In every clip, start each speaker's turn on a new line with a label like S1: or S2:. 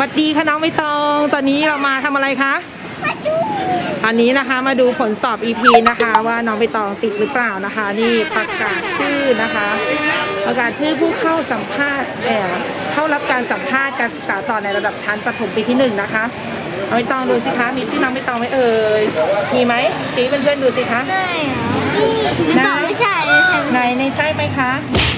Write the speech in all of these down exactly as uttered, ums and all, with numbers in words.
S1: สดีค่ะน้องใบตองตอนนี้เรามาทำอะไรคะอันนี้นะคะมาดูผลสอบ อี พี นะคะว่าน้องใบตองติดหรือเปล่านะคะนี่ประกาศชื่อนะคะประกาศชื่อผู้เข้าสัมภาษณ์เอ่อเข้ารับการสัมภาษณ์การศึกษาต่อในระดับชั้นประถมปีที่หนึ่งนะคะน้องใบตองดูสิคะมีชื่อน้องใบตองไหมเอ่ยมีไหมชี้เพื่อนๆดูสิคะไหนไม่ใช่ไหนในใช่ไหมคะ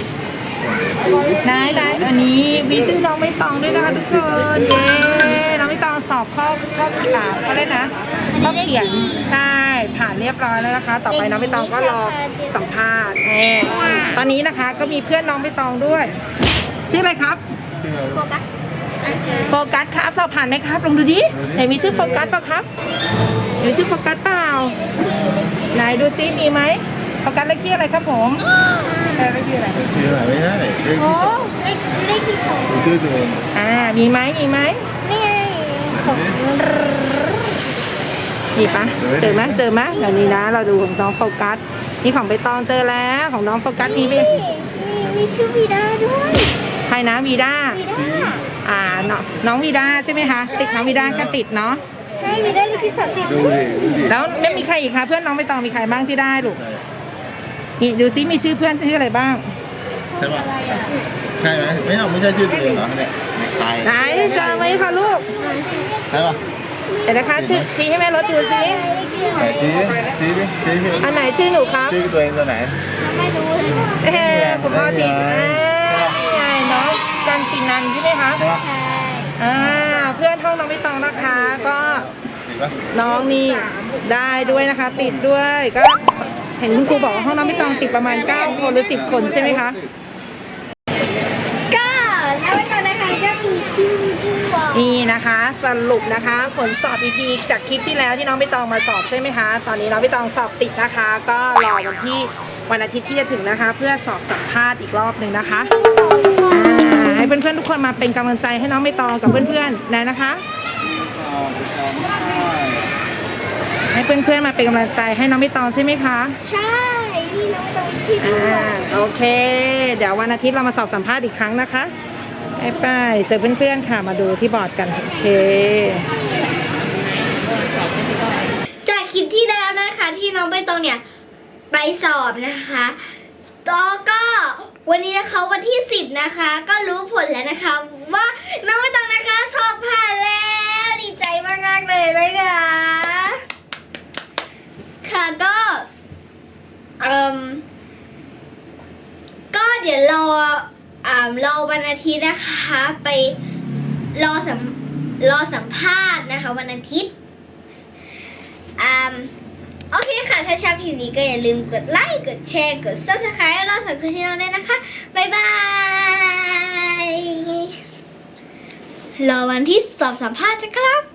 S1: ได้ได้อันนี้มีชื่อน้องใบตองด้วยนะคะทุกคนเย้น้องใบตองสอบข้อข้อเขียนเขาเรียกนะข้อเขียนใช่ผ่านเรียบร้อยแล้วนะคะต่อไปน้องใบตองก็รอสัมภาษณ์แน่ตอนนี้นะคะก็มีเพื่อนน้องใบตองด้วยชื่ออะไรครับโฟกัสโฟกัสครับสอบผ่านไหมครับลองดูดิไหนมีชื่อโฟกัสเปล่าครับมีชื่อโฟกัสเปล่าไหนดูซิมีไหมโฟกัสเลขที่อะไรครับผมเลขที่อะไรเลขที่อะไรไม่ใช่เลขที่สองเลขที่สองชื่อตัวอ่ามีไหมมีไหมนี่ไงของมีปะเจอไหมเจอไหมเดี๋ยวนี้นะเราดูของน้องโฟกัสนี่ของใบตองเจอแล้วของน้องโฟกัสมีไหม
S2: มีชื่อวีด้าด้วย
S1: ใครนะวีด้าอ่าน้องน้องวีด้าใช่ไหมคะติดน้องวีด้าก็ติดเนาะ
S2: ใช่วีด้าเลขที่สามสิบ
S1: แล้วไม่มีใครอีกคะเพื่อนน้องใบตองมีใครบ้างที่ได้ลูกนี่ดูซิมีชื่อเพื่อนชื่ออะไรบ้าง
S3: ใช่ปะใช่ไหมไม่เอาไม่ใช่ชื่อตัวเองเหรอเนี่ยตาย
S1: ไหนเจอไหมคะลูก
S3: ใช่ปะ
S1: เดี๋ยวนะคะชื่อชี้ให้แม่รถดูซิ
S3: ไหนชี้ชี้ดิชี้ดิ
S1: อันไหนชื่อหนูครับ
S3: ชื่อตัวเองตัวไหน
S2: ไม่รู้
S1: เฮ้คุณพ่อชี้ไงน้องกันตินันใช่ไหมคะ
S3: ใช่ปะ
S1: อ่าเพื่อนห้องน้องใบตองนะคะก็น้องนี่ได้ด้วยนะคะติดด้วยก็เห็นคุณครูบอกว่าห้องน้องใบตองติดประมาณเก้าคนหรือสิบคนใช่ไหมคะ
S2: ก็แล้วก็นะคะก็มีชื่อด้วย
S1: นี่นะคะสรุปนะคะผลสอบ อี พี จากคลิปที่แล้วที่น้องใบตองมาสอบใช่ไหมคะตอนนี้น้องใบตองสอบติดนะคะก็รอวันที่วันอาทิตย์ที่จะถึงนะคะเพื่อสอบสัมภาษณ์อีกรอบหนึ่งนะคะให้เพื่อนๆทุกคนมาเป็นกำลังใจให้น้องใบตองกับเพื่อนๆนะนะคะให้เพื่อนๆมาเป็นกำลังใจให้น้องใบตองใช่ไหมคะ
S2: ใช่นี่น้องใบตองที่
S1: อ่าโอเคเดี๋ยววันอาทิตย์เรามาสอบสัมภาษณ์อีกครั้งนะคะไปไปเจอเพื่อนๆค่ะมาดูที่บอร์ดกันโอเค
S2: จากคลิปที่แล้วนะคะที่น้องใบตองเนี่ยไปสอบนะคะแล้วก็วันนี้นะคะวันที่สิบนะคะก็รู้ผลแล้วนะคะว่าน้องใบตองนะคะสอบผ่านแล้วดีใจมากๆเลยนะคะค่ะก็เอ่อก็เดี๋ยวรออ่ารอวันอาทิตย์นะคะไปรอสัมรอสัมภาษณ์นะคะวันอาทิตย์อ่าโอเคค่ะถ้าชอบคลิปนี้ก็อย่าลืมกดไลค์กดแชร์กด ซับสไครบ์ แล้วสั่งคืนที่เราได้นะคะบ๊ายบายรอวันที่สอบสัมภาษณ์นะครับ